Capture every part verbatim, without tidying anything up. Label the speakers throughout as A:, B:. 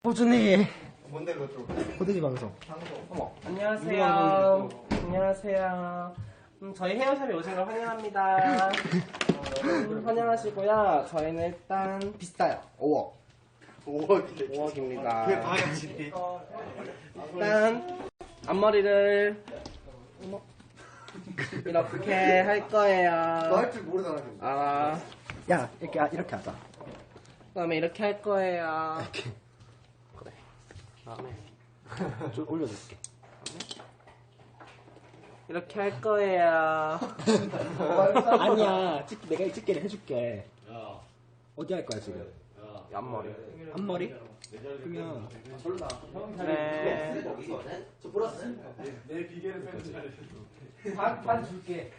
A: 호준이
B: 뭔데 그것도?
A: 호준이 방송.
C: 어머, 안녕하세요. 안녕하세요. 음, 저희 헤어샵에 오신 걸 환영합니다. 음, 환영하시고요. 저희는 일단 비싸요. 오억.
B: 오억인데.
C: 오억입니다.
B: 그게 방향치기.
C: 일단 앞머리를 어머, 이렇게 할 거예요.
B: 너 할 줄 모르잖아. 지금.
C: 아,
A: 야 이렇게 아, 이렇게 하자.
C: 그다음에 이렇게 할 거예요. 그래. 그다음에
A: 좀 올려줄게.
C: 이렇게 할 거예요.
A: 아니야, 찍, 내가 이 찍기를 해줄게. 어디 할 거야 지금?
C: 앞머리.
A: 앞머리? 그러면
C: 네.
A: 반, 반 줄게.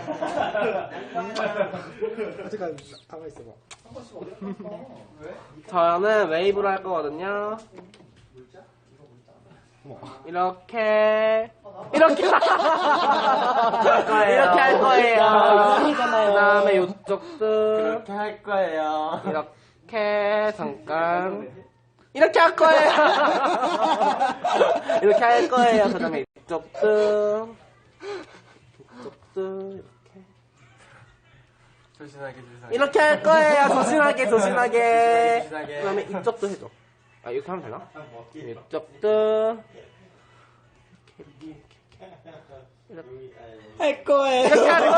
A: 잠깐 가만 있어봐.
C: 저는 웨이브로 할 거거든요. 이렇게 이렇게 이렇게 할 거예요. 그다음에 이쪽도 이렇게 할 거예요. 이렇게 잠깐 이렇게 할 거예요. 이렇게 할 거예요. 그다음에 이쪽도 이쪽도 이렇게
B: 조신하게 조신하게.
C: 이렇게 할 거예요. 조신하게 조신하게.
B: 조신하게.
C: 그다음에 이쪽도 해줘. 아 이렇게 하면 되나? 이쪽도
A: 할 거예요.
C: 이렇게 할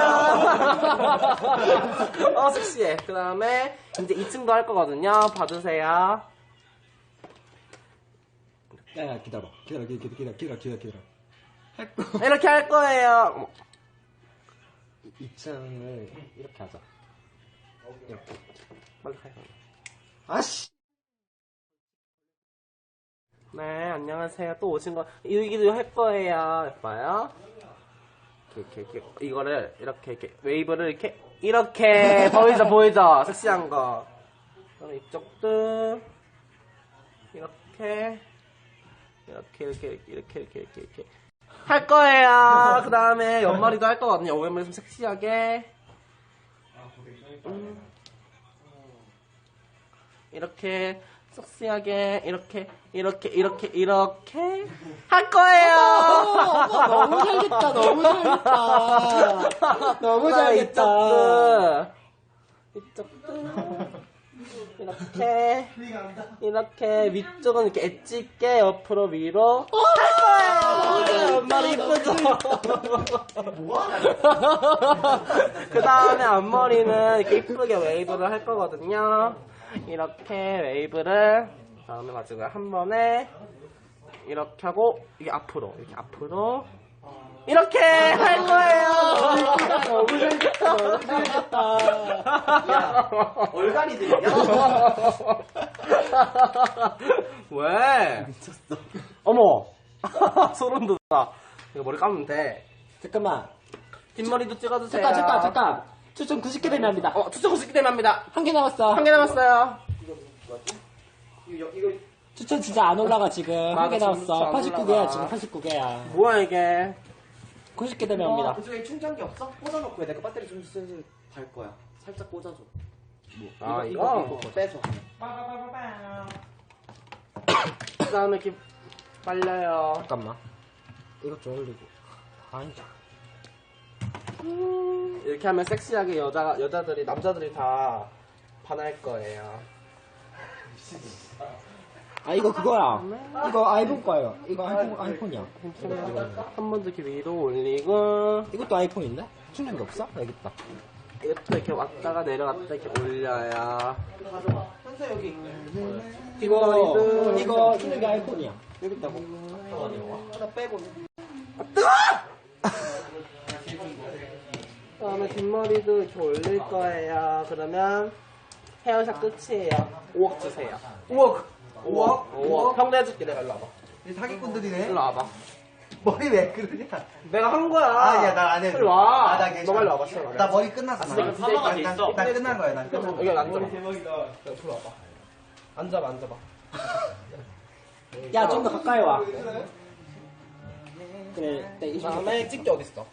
C: 거예요. 어 섹시해. 그 다음에 이제 이 층도 할 거거든요. 봐주세요.
A: 야, 기다려. 기다려, 기다려, 기다려, 기다려, 기다려, 기다려. 할 거.
C: 이렇게 할 거예요. 어머.
A: 이 층을 이렇게 하자. 이렇게.
C: 빨리 가요.
A: 아씨.
C: 네, 안녕하세요. 또 오신 거, 이기도 할 거예요. 예뻐요? 이렇게, 이렇게, 이렇게, 이거를, 이렇게, 이렇게, 웨이브를 이렇게, 이렇게, 보이죠, 보이죠? 섹시한 거. 그다음에 이쪽도, 이렇게, 이렇게, 이렇게, 이렇게, 이렇게, 이렇게, 이렇게, 이렇게. 할 거예요. 그 다음에 옆머리도 할 거거든요. 옆머리 좀 섹시하게. 음. 이렇게, 섹시하게 이렇게 이렇게 이렇게 이렇게 할 거예요.
A: 너무 잘했다, 너무 잘했다. 너무 잘했다.
C: 이쪽도 이쪽도 이렇게 이렇게 위쪽은 이렇게 엣지 있게 옆으로 위로 할 거예요. 앞머리 이쁘죠? 그 다음에 앞머리는 이렇게 이쁘게 웨이브를 할 거거든요. 이렇게 웨이브를 다음에 마지막에 한 번에 이렇게 하고 이게 앞으로 이렇게 앞으로 이렇게 할 거예요.
A: 너무 잘했다, 너무 잘했다.
B: 얼간이 들리냐?
C: 왜? 미쳤어. 어머. 소름 돋아. 이거 머리 감으면 돼.
A: 잠깐만.
C: 뒷머리도 찍어주세요.
A: 잠깐, 잠깐, 잠깐. 추천 구십 개 되면 합니다.
C: 어, 추천 구십 개 되면 합니다.
A: 한 개 남았어.
C: 한 개 남았어요.
B: 이거 이거
A: 추천 진짜 안 올라가, 지금. 한 개
C: 맞아,
A: 남았어.
C: 진짜 안
A: 팔십구 개야,
C: 올라가.
A: 지금 팔십구 개야.
C: 뭐야 이게?
A: 구십 개 되면 합니다.
B: 그쪽에 충전기 없어? 꽂아놓고 해. 내가 배터리 좀 슬슬 달 거야. 살짝 꽂아줘.
C: 아
B: 이거
C: 이거?
B: 이거, 이거 빼서.
C: 그 다음에 이렇게 빨려요.
A: 잠깐만. 이것 좀 올리고. 아니다.
C: 이렇게 하면 섹시하게 여자, 여자들이, 남자들이 다 반할 거예요.
A: 아, 이거 그거야. 이거 아이폰 거예요. 이거 아이폰, 아이폰이야.
C: 한 번 더 이렇게 위로 올리고,
A: 이것도 아이폰인데? 충전기 없어? 여기 있다.
C: 이것도 이렇게 왔다가 내려갔다 이렇게 올려요.
B: 현서 여기.
A: 이거,
C: 뒷머리도.
A: 이거 충전기 아이폰이야.
B: 여기 있다고. 하나 빼고.
C: 그 다음에 뒷머리도 이렇게 올릴 거예요. 그러면 헤어샵 끝이에요. 오억 주세요.
B: 우와.
C: 오억? 오억. 평대 해줄게. 내가 일로 와봐.
B: 이 사기꾼들이네.
C: 일로 와봐.
B: 머리 왜 그러냐?
C: 내가 한 거야.
B: 아, 야, 나 안 해.
C: 일로 와.
B: 아, 나 괜찮아.
C: 너 빨리 와봐. 시간
B: 나 머리 끝났어.
C: 아,
B: 나.
C: 진짜 사망할 수
B: 난-
C: 있어.
B: 난 끝난 거야. 난 끝난
C: 여기
B: 거야.
C: 앉아봐. 여기 앞으로 와봐. 앉아봐, 앉아봐.
A: 야, 좀 더 가까이 와. 그래, 네,
C: 그 다음에 집게 어딨어?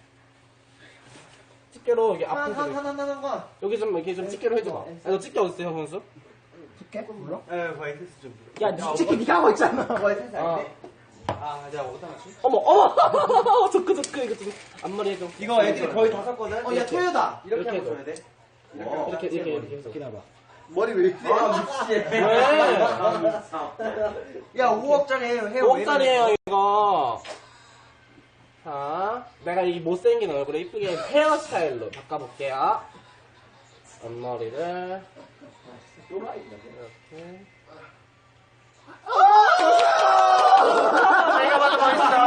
C: 집게로 이게
B: 하나
C: 앞으로
B: 하나 하나 하나.
C: 여기 좀 이렇게 좀 집게로 해줘봐. 아, 너 집게 어딨어, 형 선수?
D: 해줄게. 몰라?
E: 에 거의 테스트 좀.
D: 야, 솔직히 네가 하고 있잖아.
E: 거의 테스트
C: 어.
E: 할게. 아 내가 어디다 맞지?
C: 어머, 어머! 저크, 저크, 이거 좀, 앞머리 해줘.
E: 이거 애들이 거의 다 썼거든. 어야 토요다. 이렇게
C: 이렇게
E: 하고 줘야 돼.
B: 어.
C: 이렇게, 이렇게, 이렇게 해서.
A: 기다려봐.
E: 머리 왜 이렇게? 아 미치겠네.
C: 왜?
E: 야 오억짜리 해요. 해요.
C: 오억짜리예요 이거. 자, 내가 이 못생긴 얼굴을 이쁘게 헤어스타일로 바꿔볼게요. 앞머리를 이렇게. 내가 봐도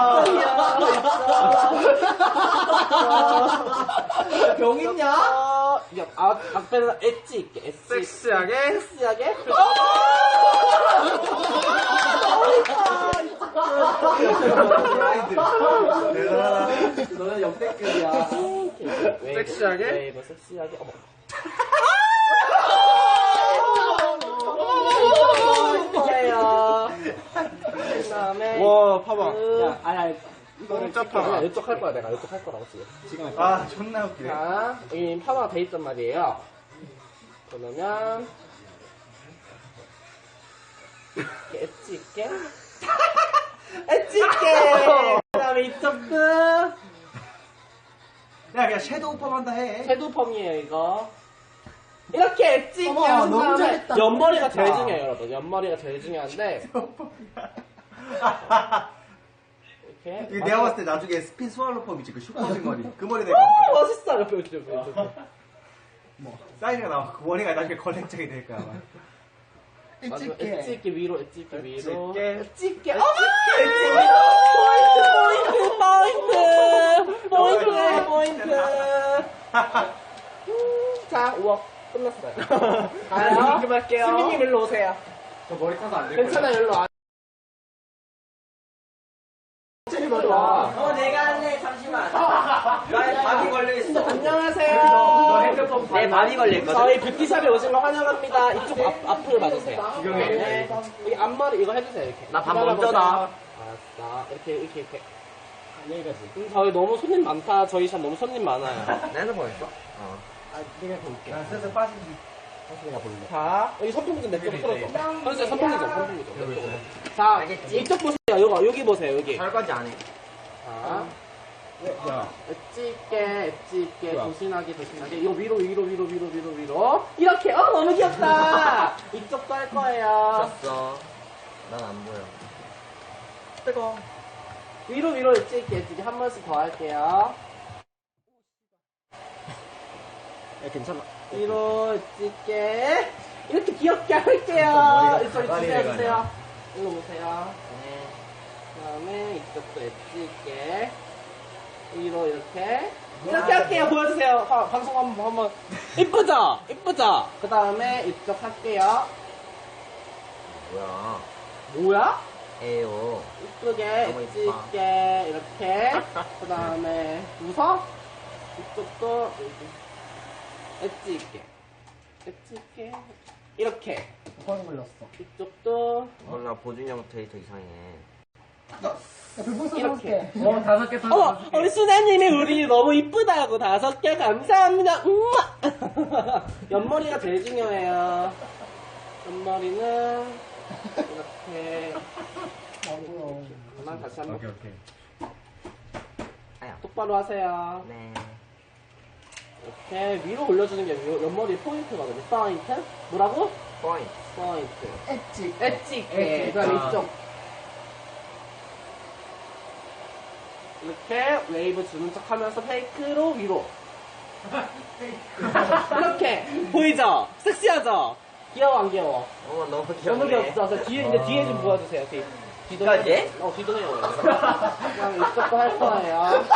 C: 멋있어.
B: 병 있냐?
C: 야, 아, 앞에서 엣지 있게, 엣지 있게.
E: 섹시하게.
C: 섹시하게.
B: 너는 역대급이야.
C: 섹시하게? 웨이브 섹시하게. 어머. 이거예요. 그 다음에.
E: 와 봐봐.
C: 야, 아니, 아니. 이거를
E: 진짜
C: 찍게.
E: 파마.
C: 그냥 이쪽 할 거야, 내가. 이쪽 할 거라고, 지금.
A: 지금 할게.
E: 아 존나 웃기네.
C: 자, 여기 파마가 돼 있단 말이에요. 그러면. 이렇게 엣지 있게. 엣지 있게! 그 다음에 이쪽도.
E: 야 그냥 섀도우 펌한다 해.
C: 섀도우 펌이에요, 이거. 이렇게 엣지 있게
D: 어머,
C: 한
D: 너무
C: 다음에
D: 잘했다.
C: 옆머리가 제일
D: 잘했다.
C: 중요해요, 여러분. 옆머리가 제일 중요한데. 이렇게.
E: 이거 내가 봤을 때 나중에 스핀 스왈로 펌이지 그 슈퍼진 머리. 그 머리 내가
C: 오, 멋있어. 옆에, 옆에, 옆에. 옆에.
E: 뭐 사이즈가 나와. 그 머리가 나중에 컬렉적이 될 거야. 아마.
C: 맞아,
D: 찍게.
C: 엣지 있게 위로, 엣지 있게 위로.
E: 있게.
C: 엣지 있게. 어머! 엣지 위로! 포인트, 포인트, 포인트! 포인트, 포인트. 음, 자, 우억. 끝났어요. 가요.
B: 입금할게요.
C: 승민님 일로 오세요.
B: 저 머리 타서 안 될 거야.
C: 괜찮아, 일로 와. 일로 와.
B: 어, 내가 할래. 잠시만. 나에 밤이 걸려있어.
C: 안녕하세요.
B: 너 핸드폰 내 밤이 걸려있거든.
C: 저희 뷰티샵에 오신 거 환영합니다. 이쪽 앞, 앞을 봐주세요. 네. 여기 앞머리 이거 해주세요, 이렇게.
B: 나밥
C: 기다려보세요.
B: 먼저다.
C: 알았어. 이렇게, 이렇게, 이렇게.
A: 여기까지.
C: 음, 저희 너무 손님 많다. 저희 샵 너무 손님 많아요.
B: 내 핸드폰 있어?
A: 아, 내가 볼게.
E: 난 슬슬 빠진다.
A: 다시 내가 볼래.
C: 자, 여기 선풍기 좀 내쪽 틀어줘. 선생님, 선풍기 좀, 선풍기 좀. 내쪽으로. 자, 이쪽 보세요. 요거, 여기 보세요, 여기.
B: 설거지 안 해.
C: 자,
A: 야,
C: 엣지 있게, 엣지 있게,
A: 좋아.
C: 조신하게, 조신하게. 이거 위로, 위로, 위로, 위로, 위로, 위로. 이렇게. 어, 너무 귀엽다. 이쪽도 할 거예요.
B: 졌어. 난 안 보여.
C: 뜨거. 위로, 위로, 엣지 있게, 엣지 있게. 한 번씩 더 할게요.
A: 야, 괜찮아.
C: 위로, 엣지 있게. 이렇게 귀엽게 할게요.
A: 머리가
C: 이쪽,
A: 가발이
C: 주세요,
A: 돼가네.
C: 주세요. 일로 오세요.
B: 네.
C: 그 다음에 이쪽도 엣지 있게. 위로 이렇게 이렇게 할게요. 보여주세요. 하, 방송 한번 한번 이쁘죠? 이쁘죠? 그 다음에 이쪽 할게요.
B: 뭐야.
C: 뭐야?
B: 에요.
C: 이쁘게
B: 너무
C: 엣지
B: 이뻐.
C: 있게 이렇게. 그 다음에 웃어? 이쪽도 엣지 있게 엣지 있게 이렇게.
D: 뻥 걸렸어.
C: 이쪽도
B: 몰라, 보준 형 데이터 이상해.
D: 야, 별풍선
C: 이렇게.
D: 해볼게.
B: 어, 다섯 개
C: 어머, 우리 수나님이 우리 너무 이쁘다고 다섯 개 감사합니다. 음마! 옆머리가 제일 중요해요. 옆머리는 이렇게. 그만 다시 한번
E: 오케이 오케이.
B: 아야.
C: 똑바로 하세요.
B: 네.
C: 이렇게 위로 올려주는 게 위- 옆머리 포인트거든요. 포인트? 뭐라고?
B: 포인트.
C: 포인트.
D: 엣지.
C: 엣지 있게. 그 다음에 이쪽. 이렇게 웨이브 주는 척 하면서 페이크로 위로. 이렇게. 보이죠? 섹시하죠? 귀여워, 안 귀여워?
B: 어, 너무 귀엽네.
C: 너무 귀엽죠? 저 뒤에, 이제 뒤에 좀 보여주세요. 뒤. 뒤도
B: 까지?
C: 해요. 어, 뒤도 해요. 그냥 이쪽도 할 거예요.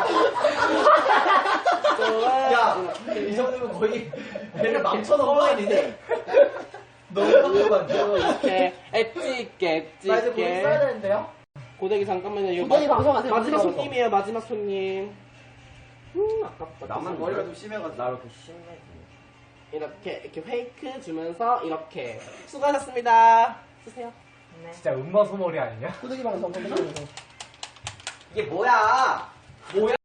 B: 야,
C: 이쪽은
B: 이 정도면 거의 배를 망쳐놓은 거 아니니? 너무
C: 그리고 이렇게 엣지 있게, 엣지
D: 나 이제 뭐
C: 있게.
D: 써야 되는데요?
C: 고데기 잠깐만요. 이거
D: 고데기
C: 마-
D: 방송하세요.
C: 마지막
D: 고데기
C: 손님이에요. 마지막 손님. 음, 아깝다.
B: 나만 머리가 좀 심해가지고. 나로 그 심해.
C: 이렇게 이렇게 페이크 주면서 이렇게 수고하셨습니다. 쓰세요.
E: 진짜 음마 소머리 아니냐?
D: 꾸덕이 방송, 꾸덕이 방송.
B: 이게 뭐야?
C: 뭐야?